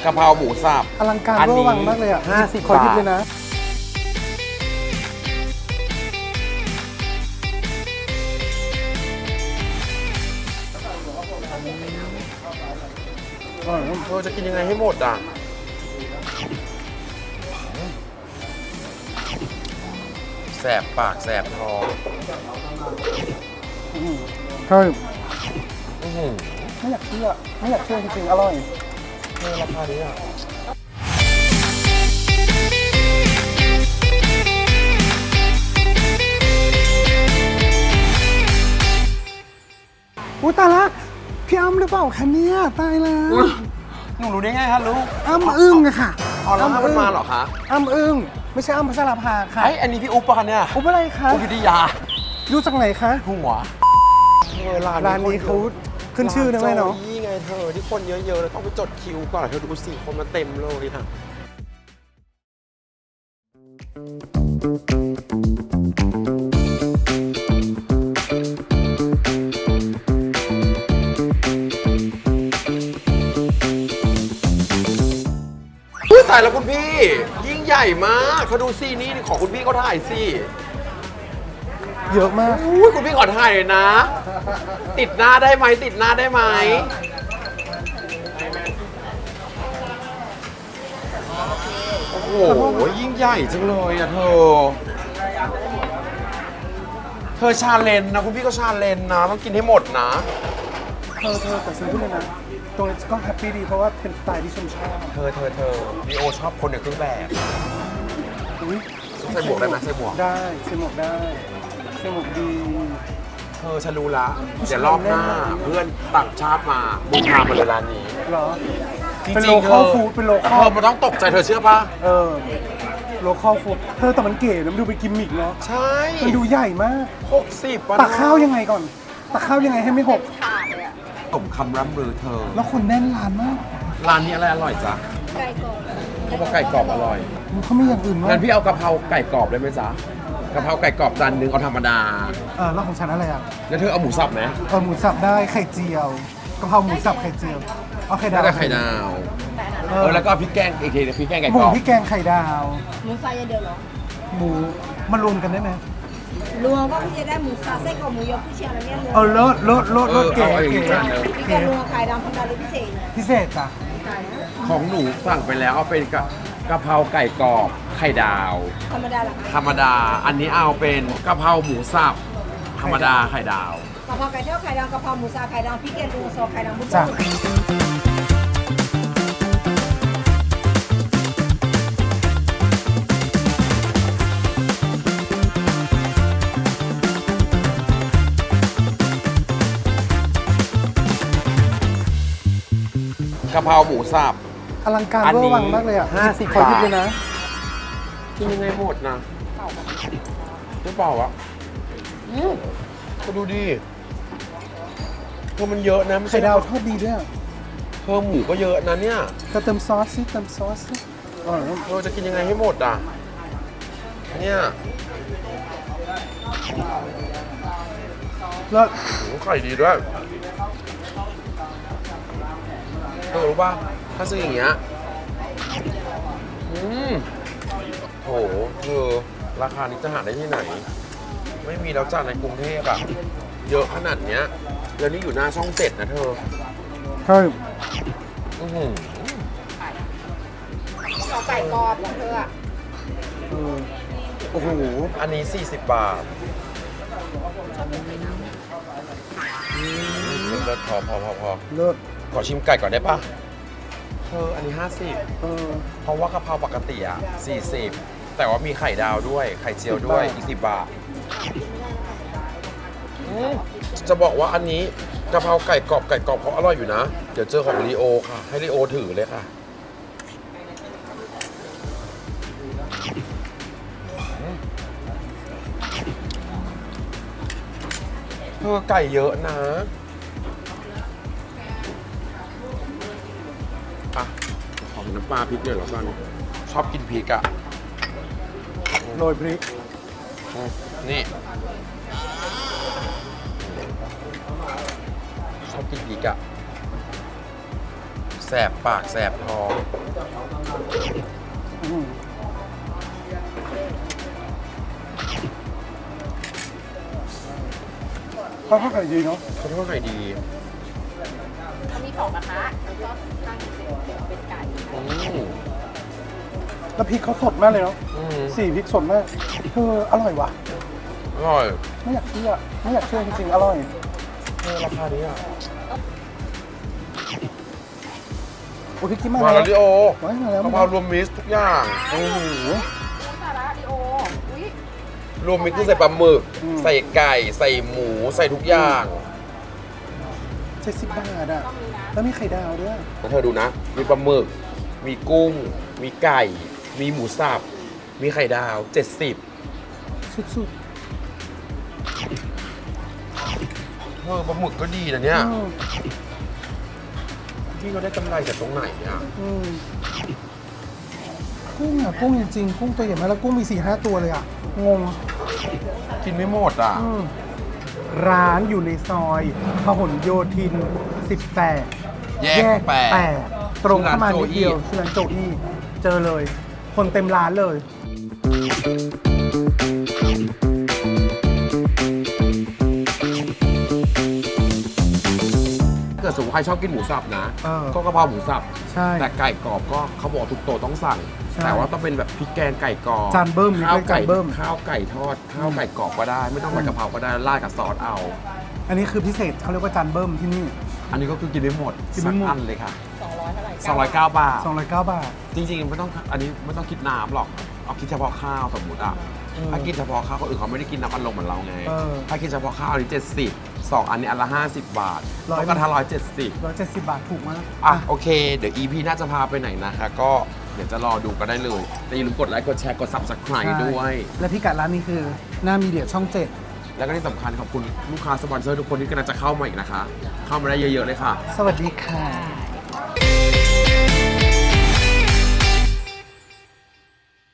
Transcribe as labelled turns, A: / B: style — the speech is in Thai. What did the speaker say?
A: กะเพราหมูสับ
B: อลังการเวอร์วังมากเลยอ่ะ
A: 50
B: ขอหยิบบ
A: าท
B: เลยนะ
A: เธอจะกินยังไงให้หมดอ่ะแสบปากแสบท้อง
B: ใช่
A: อื้อหือ
B: ไม่อยากเชื่อจริงๆอร่อย
A: ราคานี้อ่ะ
B: อุ้ยตายละพี่อ้ำหรือเปล่าคะเนี่ยตายแล้ว
A: หนูรู้ได้ไงคะลูก
B: อ้ำอึ้งอะค่ะ
A: อ๋อแล้วถ้ามันมาเหรอคะ
B: อ้ำอึ้งไม่ใช่อ้ำพัชราภาค่ะ
A: ไอ้อันนี้พี่อุ๊บปะคะเนี่ย
B: อุ๊บอะไรคะ
A: อุ๊บยุทธยา
B: รู้จากไหนคะ
A: หัว
B: ร้านนี้เขาขึ้นชื่อนะแม่เนาะ
A: ร้โจยี่ไงเธอที่คนเยอะๆแล้วต้องไปจดคิวก่อนเธอดูสิคนมาเต็มเลยค่ะถ่ายแล้วคุณพี่ยิ่งใหญ่มากเขาดูสินี่ของคุณพี่เขาถ่ายสิ
B: เยอะมาก
A: อุ้ยคุณพี่ขอถ่ายหน่อยนะ ติดหน้าได้ไหมติดหน้าได้ไหมโอ้โหยิ่งใหญ่จังเลยอ่ะเธอชาเลนจ์นะคุณพี่ก็ชาเลนจ์นะต้องกินให้หมดนะ
B: เธอแต่ซื้อพูดเลยนะตรงนี้ก็แฮปปี้ดีเพราะว่าเป็นสไตล์ที่ฉันชอบ
A: เธอลีโอชอบคนในเครื่องแบบ
B: อุ๊ย
A: ใส่หมวกได้ไหมใส่หมวก
B: ได้ใส่หมวกได้ใส่หมวกดี
A: เธอฉันรู้ละเดี๋ยวรอบหน้าเพื่อนต่างชาติมาบุกพามาเลยร้านนี้
B: เหรอ
A: จริงๆ
B: เป็นโลคอลฟู้ดเป็นโลคอ
A: เธ
B: ล
A: อมันต้องตกใจเธอเชื่อปะ
B: โลคอลฟู้ดเธอแต่มันเก๋นะมันดูเป็นกิมมิกเนาะ
A: ใช่
B: มันดูใหญ่มาก
A: 60ป่ะ
B: ตักข้าวยังไงก่อนตักข้าวยังไงให้ไม่หก
A: สมคำร่ำลือเธอ
B: แล้วคนแน่นร้านมาก
A: ร้านนี้อะไรอร่อยจ๊ะ
C: ไก่กรอบ
A: เขาบอกไก่กรอบอร่อย
B: เขาไม่อย่างอื่นมา
A: งั้
B: ก
A: นพี่เอากะเพราไก่กรอบได้ไหมจ๊ะกะเพราไก่กรอบจานนึงเอาธรรมดา
B: แล้วของฉันอะไรอ่ะ
A: แล้วเธอเอาหมูสับไหม
B: หมูสับได้ไข่เจียวกะเพราหมูสับไข่เจียวเอาไข่ดา
A: น่าว จะไข่ดาวแล้วก็พริกแกงอีกทีพริกแกงไก่
B: หมู
A: กรอบ
B: พริกแกงไข่ดาว
C: หมูฟรายอย่างเดียวเหรอ
B: หมูมารวมกันได้ไหม
C: รวมก็คือจะได้หมูสับไส้กรอกหมูยอผู้เชียงอะไรเนี่ยรวม
B: เลิศเก๋
A: เอาอย่าง
B: เก๋
A: นี้จานนึง
C: พี่แกรวมไข่ดำธรรมดาหรือพิเศษเนี่ย
B: พิเศษจ้ะ
C: ไก่นะ
A: ของหนูสั่งไปแล้วเอาเป็นกะเพราไก่กรอบไข่ดาว
C: ธรรมดาเหรอคะ
A: ธรรมดา อันนี้เอาเป็นกะเพราหมูสับธรรมดาไข่ดาว
C: กะเพราไก่ทอดไข่ดำกะเพราหมูสับไข่ดำพริกแกงรวมซอสไข่ดำบุ้ง
B: จ้ะ
A: กะเพราหมูสับ
B: อลังการ
A: อัน
B: เวอ
A: นี้
B: ร์วังมากเลยอ่ะ
A: 50
B: ขอหยิบบ
A: าท
B: เลยนะ
A: กินยังไงหมดนะไม่เปล่าวะก็ดูดิเธอมันเยอะนะไม่
B: ไข่
A: ใช่
B: ดาวทอดดีด้วยอะ
A: เธอหมูก็เยอะนะเนี่ย
B: เติมซอสสิเติมซอสสิอร่อยมาก
A: เธอจะกินยังไงให้หมดอ่ะเนี่ย
B: เลิศ
A: โหไข่ดีด้วยเธอรู้ป่ะถ้าซื้ออย่างเงี้ยโหเธอราคานี้จะหาได้ที่ไหน ไม่มีแล้วจ้าในกรุงเทพอะเยอะขนาดเนี้ยแล้วนี่อยู่หน้าช่อง7นะเธอ
B: ใช่
A: อื้อหือ
C: เอาไก่กรอบของเธออะ
B: โอ้โห
A: อันนี้ 40 บาทเลิศพอ
B: เลิศ
A: ขอชิมไก่ก่อนได้ปะเธออันนี้
B: เออ
A: 50 เพราะว่ากะเพราปกติอะ40 แต่ว่ามีไข่ดาวด้วยไข่เจียวด้วยอีก10 บาทจะบอกว่าอันนี้กะเพราไก่กรอบเขาอร่อยอยู่นะ เดี๋ยวเจอของลีโอค่ะ ให้ลีโอถือเลยค่ะเธอไก่เยอะนะอ่ะขอน้ำปลาพริกหน่อยแล้วกันชอบกินพริกอ่ะ
B: โรยพริก
A: นี่ ชอบกินพริกอ่ะแสบปากแสบท้อง
B: อืมข้าวผัดไข่ดีเนาะ
A: เขาทอดไข่ดี
D: เขามี2กระทะแล้วก็ตั้งเป็นไก่
A: อืม
B: แล้วพริกเขาสดมากเลยเนาะ
A: อืม
B: สีพริกสดมากอร่อยว่ะ
A: อร่อย
B: ไม่อยากเชื่อจริงๆอร่อย
A: ราคานี้อ่ะ
B: โอ้ยพี่กิ๊มมา
A: มาแล้วดิโอ
B: ว้ายมาแล้ว
A: กะเพรารวมมิตรทุกอย่าง
B: โอ้โห
D: สาระดิโอ อุ้ย
A: รวมมิตรคือใส่ปลาหมึก
B: อืม
A: ใส่ไก่ ใส่หมู ใส่ทุกอย่าง
B: 70 บาทอ่ะ
D: ต้องมีนะ
B: แล้วมีไข่ดาวด้วย
A: แล้วเธอดูนะ มีปลาหมึก มีกุ้ง มีไก่ มีหมูสับ มีไข่ดาว 70
B: สุด
A: ปลาหมึกก็ดีนะเนี่ย
B: ๆอืม
A: พี่เขาได้กำไรจากตรงไหนอ่ะ
B: อืมกุ้งจริงๆกุ้งตัวใหญ่มากแล้วกุ้งมี 4-5 ตัวเลยอ่ะ งง
A: กินไม่หมดอ่ะ
B: ร้านอยู่ในซอยพหลโยธิน 18
A: แยกแปด
B: ตรงเข้ามานิดเดียว
A: ชื่อร้านโจอี้
B: ชื่อร้านโจอี้เจอเลย คนเต็มร้านเลย
A: ถ้าเกิดสมมติใครชอบกินหมูสับนะ
B: เออ
A: ก็กะเพราหมูสับ
B: ใช่
A: แต่ไก่กรอบก็เขาบอกทุกโต๊ะต้องสั่ง
B: ใช่
A: แต่ว่าต้องเป็นแบบพริกแกงไก่กรอบ
B: จานเบิ้ม
A: ข้าว
B: เรียก
A: ไก่
B: จานเบิ้ม
A: ข้าวไก่ทอด ข้าวไก่กรอบก็ได้ ไม่ต้องใส่กะเพราก็ได้ราดกับซอสเอา
B: อันนี้คือพิเศษเขาเรียกว่าจานเบิ้มที่นี่
A: อันนี้ก็คือกินได้หมด
B: กินได้
A: สัก
B: หมด
A: อันเลยค่ะ
D: 200เท่าไหร่
A: 209 บาท
B: 209 บาท
A: จริงๆไม่ต้องอันนี้ไม่ต้องคิดน้ำหรอก เอาคิดเฉพาะข้าวสมมติอ่ะ ถ้ากินเฉพาะข้าวคนอื่นเขาไม่ได้กินน้ำอัดลมเหมือนเราไง
B: เออ
A: ถ้ากินเฉพาะข้าวอันนี้70 2อันนี้อันละ50 บาท
B: ร้อย
A: ก็กระทะ170
B: 170 บาทถูกมาก
A: อ่ะโอเค เดี๋ยว EP น่าจะพาไปไหนนะคะ ก็เดี๋ยวจะรอดูก็ได้เลย แต่อย่าลืมกดไลค์ กดแชร์ กด Subscribe ด้วย
B: และพิกัดร้านนี้คือหน้ามีเดียช่อง
A: แล้วก็ที่สำคัญขอบคุณลูกค้าสปอนเซอร์ทุกคนที่กำลังจะเข้ามาอีกนะคะ เข้ามาได้เยอะๆเลยค่ะ
B: 7 สวัสดีค่ะ